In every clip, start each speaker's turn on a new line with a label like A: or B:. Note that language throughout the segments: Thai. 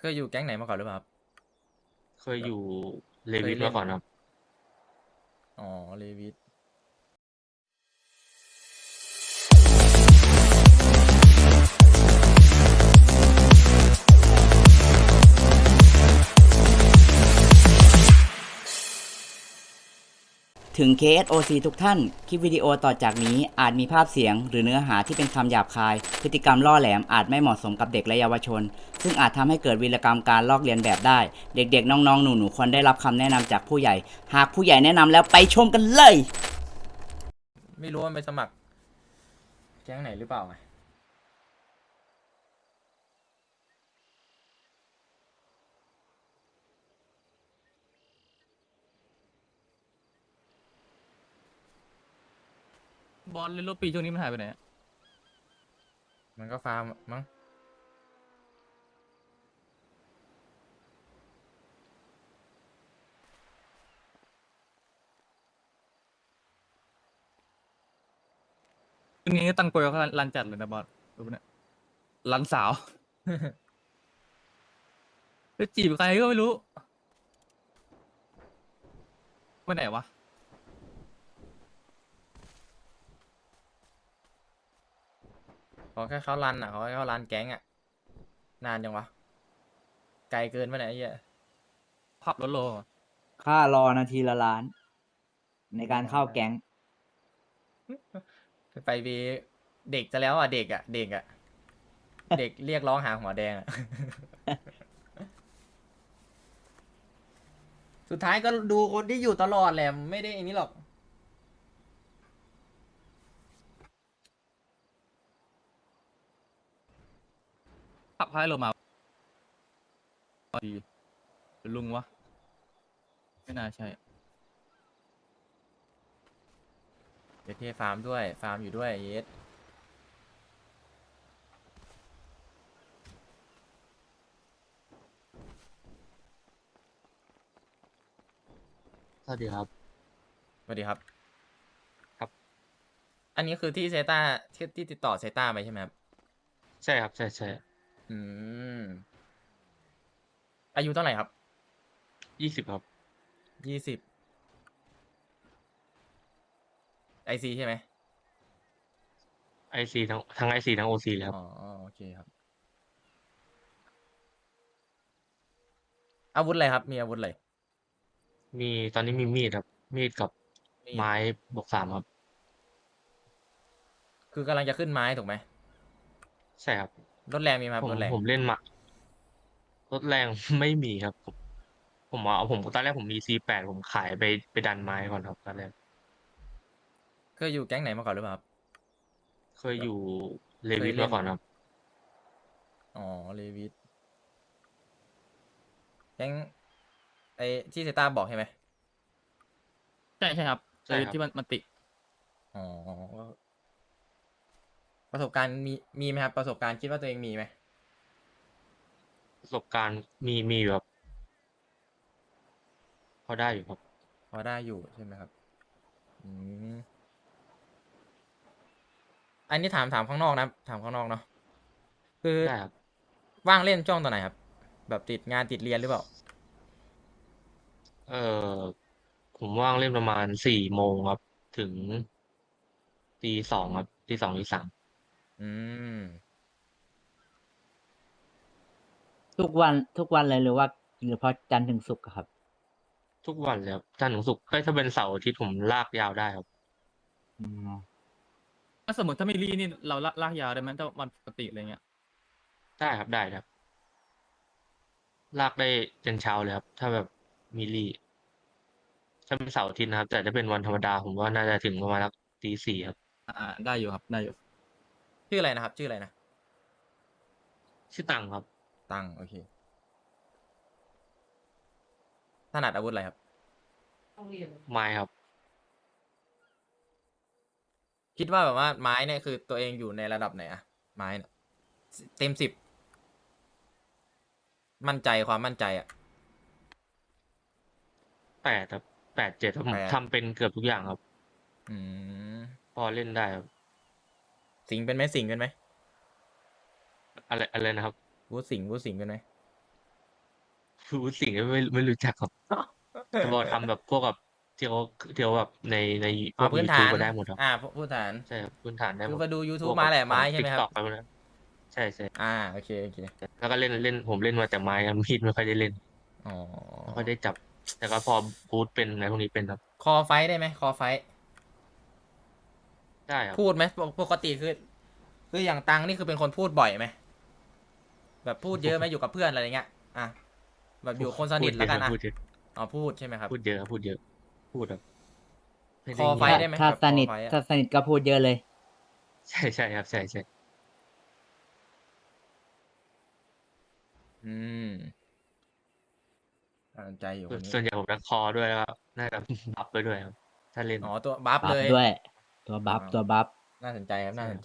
A: เคยอยู่แก๊งไหนมาก่อนหรือเปล่าครับ
B: เคยอยู่เลวิท
A: เคยเล่น
B: มาก่อนครับ
A: อ๋อเลวิส
C: ถึง KSOC ทุกท่าน คลิปวิดีโอต่อจากนี้อาจมีภาพเสียงหรือเนื้อหาที่เป็นคำหยาบคาย พฤติกรรมล่อแหลมอาจไม่เหมาะสมกับเด็กและเยาวชน ซึ่งอาจทำให้เกิดวีรกรรมการลอกเลียนแบบได้ เด็กๆ น้องๆ หนูๆ ควรได้รับคำแนะนำจากผู้ใหญ่ หากผู้ใหญ่แนะนำแล้วไปชมกันเลย
A: ไม่รู้ว่ามันไปสมัครแก๊งไหนหรือเปล่าไง
D: บอลเล่นรถปีช่วงนี้มันหายไปไหนอะ
A: มันก็ฟาร์มมั้ง
D: ช่วงนี้ตั้งโปรเขารันจัดเลยนะบอลรู้ปะเนี่ยรันสาวไปจีบใครก็ไม่รู้ไปไหนวะ
A: ขอแค่เขารันอ่ะขอแค่เขารันแก๊งอ่ะนานจังวะไกลเกินไปไหนยไอ้เหี้ย
D: ผับรถโล
C: ค่ารอนาทีละล้าน ในการเข้าแก๊ง
A: ไปบีเด็กจะแล้วอ่ะเด็กอ่ะเด็กอ่ะเด็กเรียกร้องหาหัวแดงอ่ะ สุดท้ายก็ดูคนที่อยู่ตลอดแหละไม่ได้อันนี้หรอก
D: ผับท้ายโลมาดีหรือลุงวะไม่น่าใช่
A: เดี๋ยวเทฟาร์มด้วยฟาร์มอยู่ด้วยเยส
B: สวัสดีครับ
A: สวัสดีครับ
B: ครับ
A: อันนี้คือที่เซต้าที่ติดต่อเซต้าไปใช่ไหมครับ
B: ใช่ครับ ใช่ใช่
A: อืมอายุเท่าไหร่ครับ
B: 20ครับ
A: 20IC ใช่ไหม
B: IC ทั้ง IC ทั้ง OC เลยครั
A: อ๋อ
B: บ
A: โอเคครับอาวุธอะไรครับมีอาวุธอะไร
B: ตอนนี้มีมีดครับ มีดกับ
A: มีด
B: ไม้บวก 3ครับ
A: คือกำลังจะขึ้นไม้ถูกไหม
B: ใช่ครับ
A: รถแรงมีไหมค
B: ผม
A: รับรถแรง
B: ผมเล่นมารถแรง ไม่มีครับ ผมตอนแรกผมมี C8 ผมขายไปดันไม้ก่อนครับตอนแรก
A: เคยอยู่แก๊งไหนมาก่อนหรือเปล่าครับแบบ
B: เคยอยู่เลวิท
A: เคยเล่น
B: มาก่อนครับ
A: อ๋อเลวิสแก๊งไอที่เซต้าบอกใช่ไหม
D: ใช่ครับ
B: ใช่ครับ
D: ที่มันติ
A: อ๋อประสบการณ์มีไหมครับประสบการณ์คิดว่าตัวเองมีไหม
B: ประสบการณ์มีอยู่ครับพอได้อยู่ครับ
A: พอได้อยู่ใช่ไหมครับอืมอันนี้ถามข้างนอกนะถามข้างนอกเนาะคือ
B: ได้ครับ
A: ว่างเล่นช่วงตอนไหนครับแบบติดงานติดเรียนหรือเปล่า
B: เออผมว่างเล่นประมาณ4 โมงครับถึงตี 2ครับตี 2ตี 3
A: อืม
C: ทุกวันเลยหรือว่าหรือเพราะจันทร์ถึงศุกร์อะครับ
B: ทุกวันเลยครับจันทร์ถึงศุกร์ถ้าเป็นเสาร์อาทิตย์ผมลากยาวได้ครับ
C: อืม
D: ถ้าสมมติถ้าไม่รีนี่เราลากยาวได้ไหมถ้าวันปกติอะไรเงี้ย
B: ได้ครับได้ครับลากได้จนเช้าเลยครับถ้าแบบมีลี่ถ้าเป็นเสาร์อาทิตย์นะครับแต่ถ้าเป็นวันธรรมดาผมว่าน่าจะถึงประมาณสักตี 4ครับ
D: ได้อยู่ครับได้อยู่
A: ชื่ออะไรนะครับชื่ออะไรนะ
B: ชื่อตังครับ
A: ตังโอเคถนัดอาวุธอะไรครับ
B: ไม้ครับ
A: คิดว่าแบบว่าไม้เนี่ยคือตัวเองอยู่ในระดับไหนอะไม้เนี่ยเต็ม 10มั่นใจความมั่นใจอะ
B: 8ครับ8 7ครับผ
A: แปด
B: มทำเป็นเกือบทุกอย่างครับ
A: อืม
B: พอเล่นได้ครับ
A: สิงเป็นไหมสิงเป็นไหม
B: อะไรนะครับ
A: วูดสิงเป็นไหม
B: ฟูดสิ่งที่ไม่รู้จักครับแต่พอทำแบบพวกแบบที่เขาแบบในพวก
A: พื้นฐา
B: YouTube
A: น
B: ก็ได้หมดครับ
A: พื้นฐาน
B: ใช่ครับพื้นฐานได้หมด
A: คือมาดู
B: พว
A: YouTube
B: กแบบ
A: มาแหละไม้
B: ของ
A: ใช่ไหมครับ
B: TikTok อะไรพวกนั้นใช่ใช่
A: โอเคโอเค
B: แล้วก็เล่นผมเล่นมาแต่ไม้ครับมีดไม่ค่อยได้เล่น
A: อ๋อ
B: ไม่ค่อยได้จับแต่ก็พอพูดเป็นอะไรพวกนี้เป็นครับ
A: คอไฟท์ได้ไหมคอไฟท์
B: ได้ครับ
A: พูดไหมปกติคืออย่างตังนี่คือเป็นคนพูดบ่อยไหมแบบพูดเยอะไหมอยู่กับเพื่อนอะไรเงี้ยอ่ะแบบอยู่คนส
B: พูดเยอะ
A: นิทแล้วกันอ่ะ
B: พูดเยอะ
A: อ๋อพูดใช่ไหมครับ
B: พูดเยอะครับพูดเยอะพูดแบบไม่
A: คอ
B: ได้เงียบ
C: ถ้า
A: ไฟท์ได้ไหม
C: ถ้า
A: แบบ
C: สนิท
A: คอไฟท์อ่ะ
C: ถ้าสนิทก็พูดเยอะเลย
B: ใช่ครับใช่ใช่
A: อืมน่าสนใจอยู่คนนี้
B: ส่วนใหญ่ผมจะคอด้วยแล้วก็น่าจะบัฟไปด้วยครับถ้าเล่น
A: อ๋อตัวบัฟ
C: บั
A: เลย
C: ฟด้วย ตัว
A: อ๋อ
C: บัฟตัวบัฟ
A: น่าสนใจครับ
B: ใช่ครับ
A: น่าสนใจ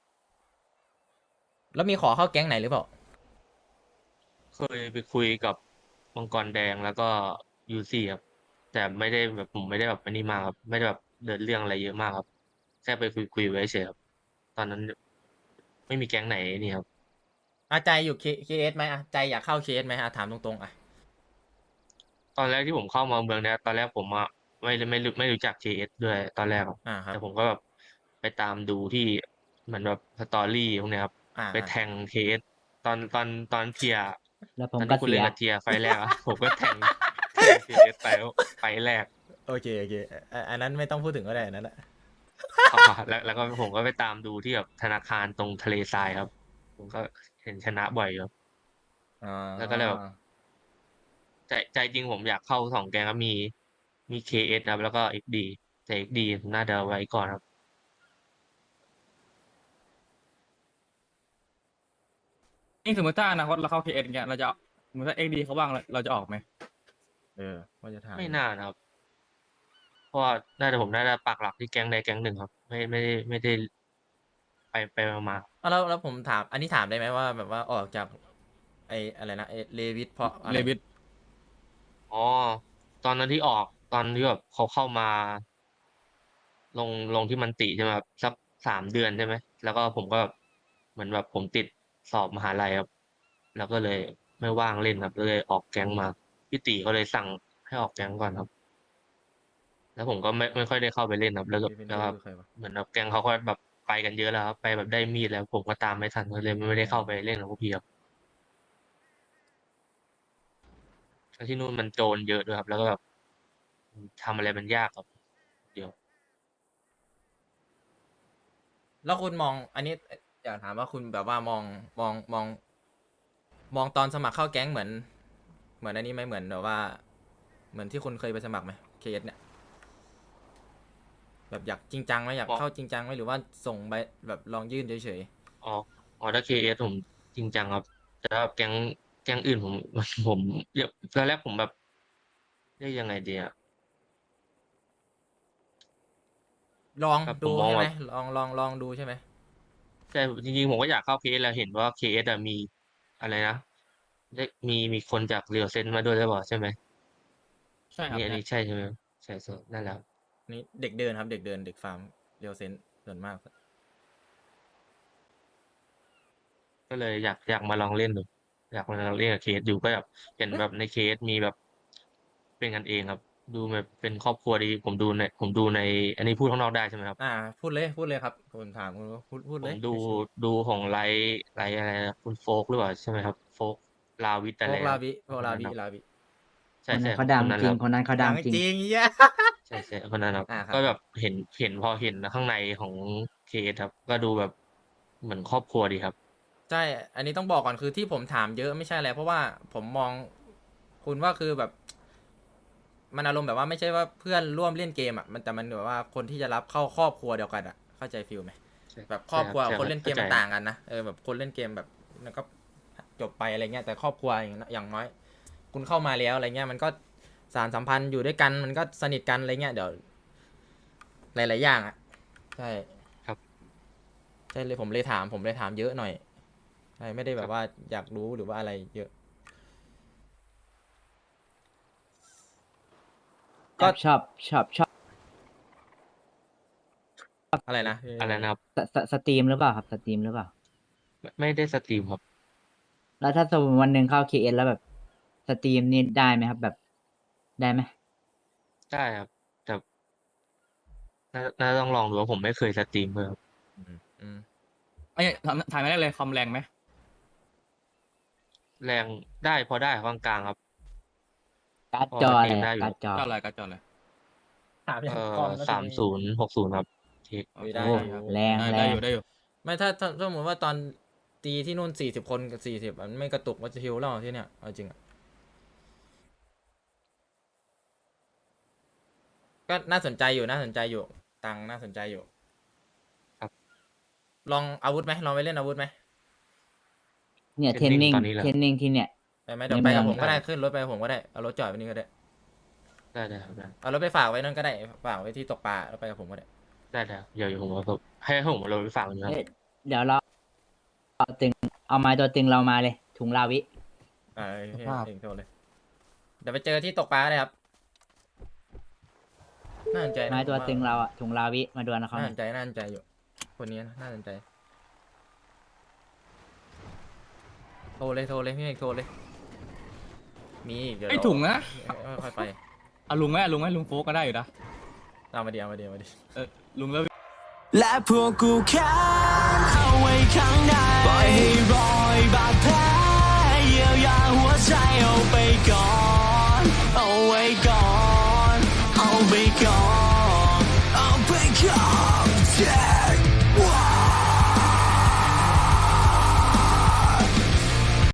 A: แล้วมีขอเข้าแก๊งไหนหรือเปล่า
B: เคยไปคุยกับมังกรแดงแล้วก็ยูซี่ครับแต่ไม่ได้แบบผมไม่ได้แบบอันนี้มากครับไม่ได้แบบเดินเรื่องอะไรเยอะมากครับแค่ไปคุยไว้เฉยครับตอนนั้นไม่มีแก๊งไหนนี่ครับ
A: ใจอยู่เคเอสไหมอ่ะใจอยากเข้าเคเอสไหมอ่ะถามตรงๆอ่ะ
B: ตอนแรกที่ผมเข้ามาเมืองเนี้ยตอนแรกผมอะไม่รู้จัก JS ด้วยตอนแรกครับ
A: ครับ
B: แต่ผมก็แบบไปตามดูที่เหมือนแบบสตอรี่พวกเนี้ยครับไป
A: อ่า
B: แทง JS ตอนเทียร์
C: แล้วผ
B: ตอนที่คุณ
C: มก็เสีย
B: เล่นกับเทียร์ไฟล์แรกอะผมก็แทง JS ไฟล์แรก
A: โอเคโอเคอันนั้นไม่ต้องพูดถึงก็ได้อันนั้นแหละ
B: อ๋อแล้วก็ผมก็ไปตามดูที่แบบธนาคารตรงทะเลทรายครับผมก็เห็นชนะบ่อยครับ
A: อ๋
B: แล้วก็เลย
A: อ
B: แบบใจจริงผมอยากเข้าสองแกงครับมี KS ครับแล้วก็ XD แต่ XD น่าจะไว้ก่อนครับ
D: นี่สมมติถ้าอนาคตเราเข้าเคเอสเงี้ยเราจะสมมติถ้าเอ็กดีเขาว่างเราจะออกไหม
A: ว่าจะถาม
B: ไม่
A: อยู่
B: น่านะครับเพราะว่าผมน่าจะปักหลักที่แก๊งใดแก๊งหนึ่งครับไม่ได้ไปมา
A: แล้วผมถามอันนี้ถามได้ไหมว่าแบบว่าออกจากอะไรนะเลวิทเพราะอะไร
D: เลวิท
B: อ๋อตอนนั้นที่ออกตอนที่แบบเขาเข้ามา ลงที่มันติใช่ไหมครับสัก3 เดือนใช่ไหมแล้วก็ผมก็เหมือนแบบผมติดสอบมหาลัยครับแล้วก็เลยไม่ว่างเล่นครับเลยออกแก๊งมาพี่ติก็เลยสั่งให้ออกแก๊งก่อนครับแล้วผมก็ไม่ค่อยได้เข้าไปเล่นครับแล้วก็
A: เลวิน
B: แล้วก็
A: เทอร์คือใครวะ
B: เหมือนแบบแก๊งเขาก็แบบไปกันเยอะแล้วครับไปแบบได้มีดแล้วผมก็ตามไม่ทันก็เลยไม่ได้
A: อ๋อ
B: เข้าไปเล่นกับพวกพี่ครับแล้วที่นู่นมันโจรเยอะด้วยครับแล้วก็แบบทำอะไรมันยากครับเดี๋ยว
A: แล้วคุณมองอันนี้อยากถามว่าคุณแบบว่ามองตอนสมัครเข้าแก๊งเหมือนอันนี้ไหมเหมือนแบบว่าเหมือนที่คุณเคยไปสมัครไหมเคเอสเนี่ยแบบอยากจริงจังไหมอยาก
B: พอ
A: เข้าจริงจังไหมหรือว่าส่งไปแบบลองยื่นเฉย
B: อ๋อถ้าเคเอสผมจริงจังครับแต่ถ้าแก๊งอื่นผมผมเดี๋ยวตอนแรกผมแบบ เรียกยังไงดีอะ
A: ๆลอง
B: แบบผ
A: ดูใช่ไหม
B: มมองแบบ
A: ลองดูใช่ไหม
B: แต่จริงๆผมก็อยากเข้าเคสแล้วเห็นว่าเคสอะมีอะไรนะมีคนจากเรียวเซนมาด้วยหรือเปล่าใช่ไหม
D: ใช่ครับใช่
B: อันนี้ใช่ใช่ไหมใช่นั่นแหละครับ
A: นี่เด็กเดินครับเด็กเดินเด็กฟาร์มเรียวเซนส่วนมาก
B: ก็เลยอยากมาลองเล่นดูอยากมาลองเล่นกับเคสอยู่ก็แบบเห็นแบบในเคสมีแบบเป็นกันเองครับดูแบบเป็นครอบครัวดีผมดูในอันนี้พูดข้างนอกได้ใช่ไหมครับ
A: พูดเลยครับผมถามคุณว่าพูดเลย
B: ผมดู
A: ชิว
B: ดูของไลฟ์อะไรนะคุณโฟกหรือเปล่าใช่ไหมครับโฟกลาวิท
A: ๆโฟ
B: อะไรครับ
A: กลาวิโฟกลา
B: คนนั้นครับ
A: วิลาวิ
C: คนนั้
B: ใช่ใช่
C: นเขาดัง
B: คนนั้นครับ
C: จริงคนนั้นเขาดั
A: ดั
C: งจริง
A: งจริงเหี้ย
B: ใช่คนนั้นครับ
A: ครับครับ
B: ก็แบบเห็นพอเห็นข้างในของเคสครับก็ดูแบบเหมือนครอบครัวดีครับ
A: ใช่อันนี้ต้องบอกก่อนคือที่ผมถามเยอะไม่ใช่อะไรเพราะว่าผมมองคุณว่าคือแบบมันอารมณ์แบบว่าไม่ใช่ว่าเพื่อนร่วมเล่นเกมอ่ะมันแต่มันแบบว่าคนที่จะรับเข้าครอบครัวเดียวกันอ่ะเข้าใจฟิลไหม
B: ใช่
A: แบบครอบครัวกับ
B: ใช่
A: คนเล่นเก
B: เข้าใจ
A: มมันต่างกันนะแบบคนเล่นเกมแบบมันก็จบไปอะไรเงี้ยแต่ครอบครัวอย่างน้อยคุณเข้ามาแล้วอะไรเงี้ยมันก็สารสัมพันธ์อยู่ด้วยกันมันก็สนิทกันอะไรเงี้ยเดี๋ยวหลายๆอย่างอ่ะใช่
B: ครับ
A: ใช่เลยผมเลยถามเยอะหน่อยใช่ไม่ได้
B: ครับ
A: แบบว่าอยากรู้หรือว่าอะไรเยอะก็
C: ชอบ
A: อะไรนะ
B: อะไรนะครับ
C: สตรีมหรือเปล่าครับสตรีมหรือเปล่า
B: ไม่ได้สตรีมครับ
C: แล้วถ้าสมมติวันหนึ่งเข้า KS แล้วแบบสตรีมนี่ได้ไหมครับ แบบได้ไหม
B: ได้ครับ แต่น่าต้องลองดูว่าผมไม่เคยสตรีมเลยครับ
A: อืม
D: ไอ้ยถ่ายไม่ได้เลยคอมแรงไหม
B: แรงได้พอได้ครับกลางๆครับ
C: การ์ด
B: พอ
C: จอ
B: ส
C: อะ
B: ต
C: ไร
B: รีมได้
C: อะ
B: อยู่
C: การ์ดจอ
D: จออะไรก็จออะไร
A: ถามอย่างคอมแล้ว
B: 3060ครับเทค
A: ไม่ได้
C: โอ้
A: ครับ
C: แรง
D: ได้
C: แร
D: อง ยู่ได้อยู่
A: ไม่ถ้าสมมติว่าตอนตีที่นู่น40 คนกับ40มันไม่กระตุกว่าจะฮิวเล่าที่เนี่ยเอาจริงอะก็น่าสนใจอยู่ตังค์น่าสนใจอยู่
B: ครับ
A: ลองอาวุธไหมลองไปเล่นอาวุธไหม
C: เนี่ยเทรนนิ่ง
B: ตอนนี้แหละ
C: เทรนนิ่งที่เนี่ย
A: ไปไหมเดี๋ยว
C: ใน
A: ไป
C: เมื
A: กั
C: อบ ง
A: ผมก็ได้ขึ้นรถไปกับผมก็ได้เอารถจอดไว้นี่ก็ได้
B: ได้ครับได้
A: เอารถไปฝากไว้นั่นก็ได้ฝากไว้ที่ตกปลาแล้วไปกับผมก็ได้
B: ได้ครับเดี๋ยวผมเอาให้ผมเอารถไปฝากนะครับ
C: เอ้ยเดี๋ยวเราเอาตึงเอาไม้ตัวตึงเรามาเลย ถุงลาวิ
A: ให้
D: ภาพ
A: เองโทรเลย เดี๋ยวไปเจอที่ตกปลาเลยครับน่าสนใจนะ
C: ไม้ตัว
A: ผา
C: ตึงเราอะถุงลาวิมาดวลนะเขา
A: น่า
C: ห
A: ส
C: น่อย
A: นใจน่าสนใจอยู่ คนนี้นะน่าสนใจโทรเลยพี่เอกโทรเลย มีอีกเดี๋ยว
D: ไอ้ถุงนะ
A: ค่อยไป
D: เอาลุงไหมลุงโฟกก็ได้อยู่นะ
A: เอามาดี
D: ลุงเลิก
E: และพวกกูแค้นเอาไว้ข้างในปล่อยให้รอยบาดแผลเยียวยาหัวใจเอาไปก่อน เอาไว้ก่อน เอาไปก่อน เอาไปก่อน